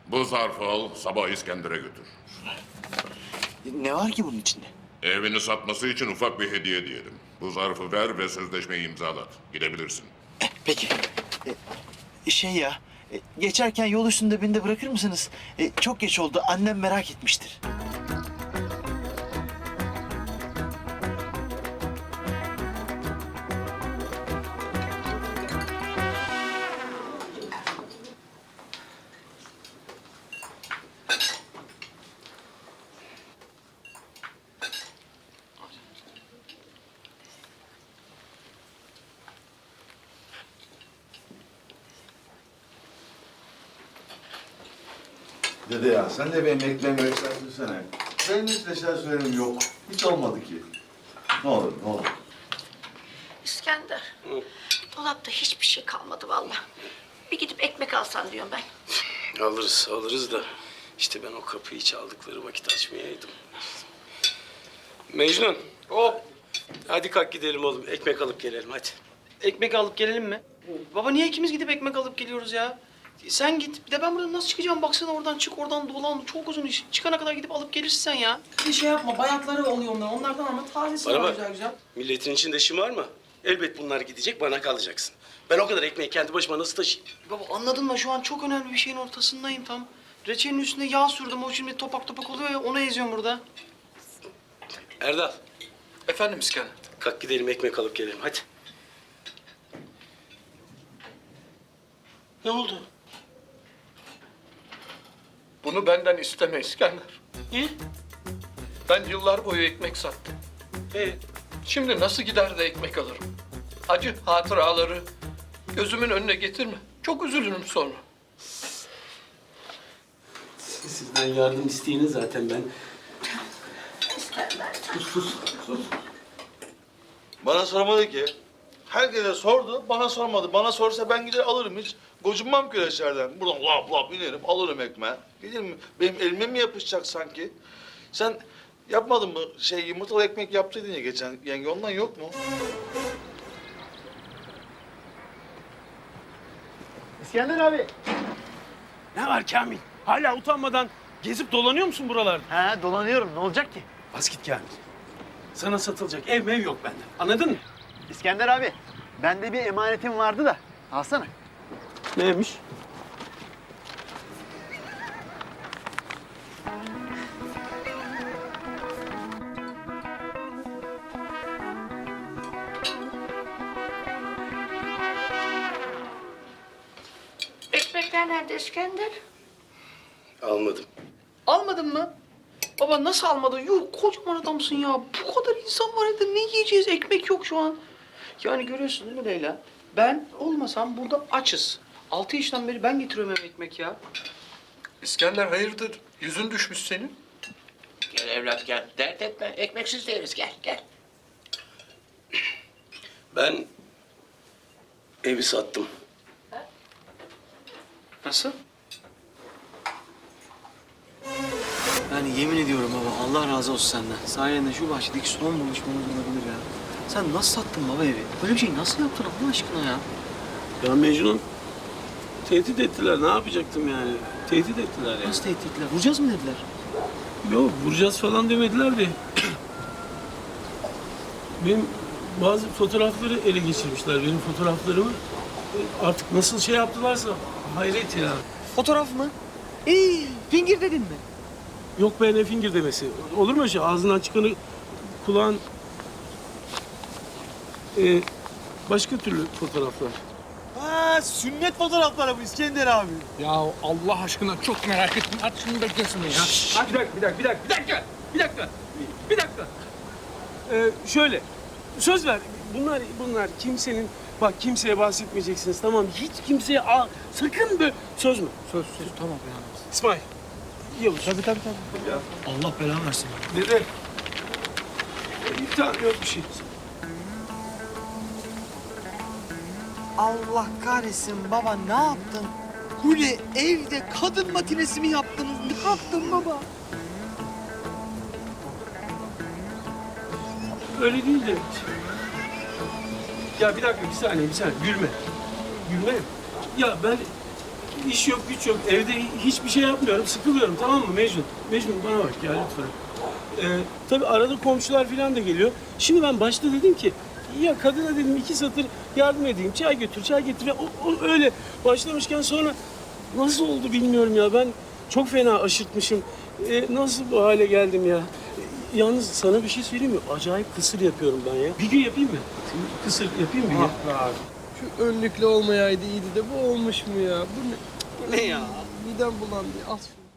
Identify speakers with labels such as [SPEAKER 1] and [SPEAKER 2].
[SPEAKER 1] Bu zarfı al, sabah İskender'e götür.
[SPEAKER 2] Ne var ki bunun içinde?
[SPEAKER 1] Evini satması için ufak bir hediye diyelim. Bu zarfı ver ve sözleşmeyi imzalat. Gidebilirsin.
[SPEAKER 2] Peki. Şey ya, geçerken yol üstünde beni de bırakır mısınız? Çok geç oldu, annem merak etmiştir.
[SPEAKER 3] Dede ya sen de benim ekmeğimi yükseltirsene. Benim hiç neşer söylemim yok. Hiç olmadı ki. Ne olur ne olur.
[SPEAKER 4] İskender, dolapta hiçbir şey kalmadı vallahi. Bir gidip ekmek alsan diyorum ben.
[SPEAKER 5] Alırız da işte ben o kapıyı çaldıkları vakit açmayaydım. Mecnun. Hop. Hadi kalk gidelim oğlum. Ekmek alıp gelelim hadi.
[SPEAKER 6] Ekmek alıp gelelim mi? Baba niye ikimiz gidip ekmek alıp geliyoruz ya? Sen git. Bir de ben buradan nasıl çıkacağım? Baksana oradan çık, oradan dolan. Çok uzun iş. Çıkana kadar gidip alıp gelirsin sen ya. Bir şey yapma. Bayatları oluyor onlar. Onlardan ama tazesi
[SPEAKER 5] Bana
[SPEAKER 6] var
[SPEAKER 5] bak.
[SPEAKER 6] güzel güzel.
[SPEAKER 5] Milletin içinde şımar mı? Elbet bunlar gidecek, bana kalacaksın. Ben o kadar ekmeği kendi başıma nasıl taşıyayım?
[SPEAKER 6] Baba anladın mı? Şu an çok önemli bir şeyin ortasındayım tam. Reçelin üstüne yağ sürdüm. O şimdi topak topak oluyor ya. Onu eziyorum burada.
[SPEAKER 5] Erdal,
[SPEAKER 7] Efendim İskender.
[SPEAKER 5] kalk gidelim ekmek alıp gelelim hadi. Ne oldu?
[SPEAKER 7] Bunu benden isteme İskender.
[SPEAKER 5] Niye?
[SPEAKER 7] Ben yıllar boyu ekmek sattım. Şimdi nasıl gider de ekmek alırım? Acı hatıraları gözümün önüne getirme. Çok üzülürüm sonra.
[SPEAKER 5] Sizden yardım isteyene zaten ben...
[SPEAKER 3] Bana sormadı ki. Herkese sordu, bana sormadı. Bana sorsa ben gider alırım hiç. Gocunmam küreçlerden. Buradan lap lap inerim, alırım ekmeği. Gelir mi? Benim elime mi yapışacak sanki? Sen yapmadın mı? Yumurtalı ekmek yaptıydın ya geçen yenge, ondan yok mu?
[SPEAKER 2] İskender abi.
[SPEAKER 5] Ne var Kamil? Hala utanmadan gezip dolanıyor musun buralarda?
[SPEAKER 2] Ha, dolanıyorum. Ne olacak ki?
[SPEAKER 5] Bas git Kamil. Sana satılacak ev mev yok bende. Anladın mı?
[SPEAKER 2] İskender abi, bende bir emanetim vardı da. Alsana.
[SPEAKER 5] Neymiş?
[SPEAKER 4] Ekmekler nerede İskender?
[SPEAKER 5] Almadım.
[SPEAKER 6] Almadın mı? Baba nasıl almadın? Yuh kocaman adamsın ya. Bu kadar insan var evde. Ne yiyeceğiz? Ekmek yok şu an. Yani görüyorsun değil mi Leyla? Ben olmasam burada açız. 6 yaşından beri ben getiriyorum eve ekmek ya.
[SPEAKER 7] İskender hayırdır? Yüzün düşmüş senin.
[SPEAKER 8] Gel evlat gel. Dert etme. Ekmeksiz değiliz. Gel gel.
[SPEAKER 5] Ben evi sattım.
[SPEAKER 6] Nasıl?
[SPEAKER 2] Yani yemin ediyorum baba, Allah razı olsun senden. Sayende şu bahçedeki son buluşmamız olabilir ya. Sen nasıl sattın baba evi? Böyle bir şey nasıl yaptın Allah aşkına ya?
[SPEAKER 5] Ya Mecnun, tehdit ettiler. Ne yapacaktım yani? Tehdit ettiler yani.
[SPEAKER 2] Nasıl tehdit ettiler? Vuracağız mı dediler?
[SPEAKER 5] Yok, vuracağız falan demediler de. Benim bazı fotoğrafları ele geçirmişler. Benim fotoğraflarımı artık nasıl şey yaptılarsa hayret ya.
[SPEAKER 6] Fotoğraf mı? Fingir dedin mi?
[SPEAKER 5] Yok be, ne fingir demesi. Olur mu öyle şey? Ağzından çıkanı kulağın... başka türlü fotoğraflar.
[SPEAKER 2] Ha, sünnet fotoğrafları bu İskender abi.
[SPEAKER 9] Ya Allah aşkına çok merak ettim. At şunu beklesin ya.
[SPEAKER 5] Bir dakika. Şöyle, söz ver. Bunlar kimsenin... Bak kimseye bahsetmeyeceksiniz, tamam mı? Hiç kimseye... sakın böyle... Söz mü?
[SPEAKER 9] Söz tamam ya.
[SPEAKER 5] İsmail. Yavuz.
[SPEAKER 2] Tabii. Allah belanı versin.
[SPEAKER 5] Dede. Tamam, yok bir şey.
[SPEAKER 2] Allah kahretsin baba, ne yaptın? Hule evde kadın matinesi mi yaptınız? Ne yaptın baba?
[SPEAKER 5] Öyle değil de. Ya bir dakika, bir saniye. Gülme. Ya ben iş yok, güç yok. Evde hiçbir şey yapmıyorum, sıkılıyorum, tamam mı Mecnun? Mecnun bana bak ya lütfen. Tabii arada komşular falan da geliyor. Şimdi ben başta dedim ki, ya kadına dedim 2 satır yardım edeyim, çay götür, çay getir. O öyle başlamışken sonra nasıl oldu bilmiyorum ya. Ben çok fena aşırtmışım. Nasıl bu hale geldim ya? Yalnız sana bir şey söyleyeyim mi? Acayip kısır yapıyorum ben ya. Bir gün yapayım mı? Kısır yapayım mı?
[SPEAKER 9] Ah be abi. Şu önlüklü olmayaydı iyiydi de bu olmuş mu ya? Bu ne?
[SPEAKER 5] Ne ya?
[SPEAKER 9] Midem bulandı. Al şunu.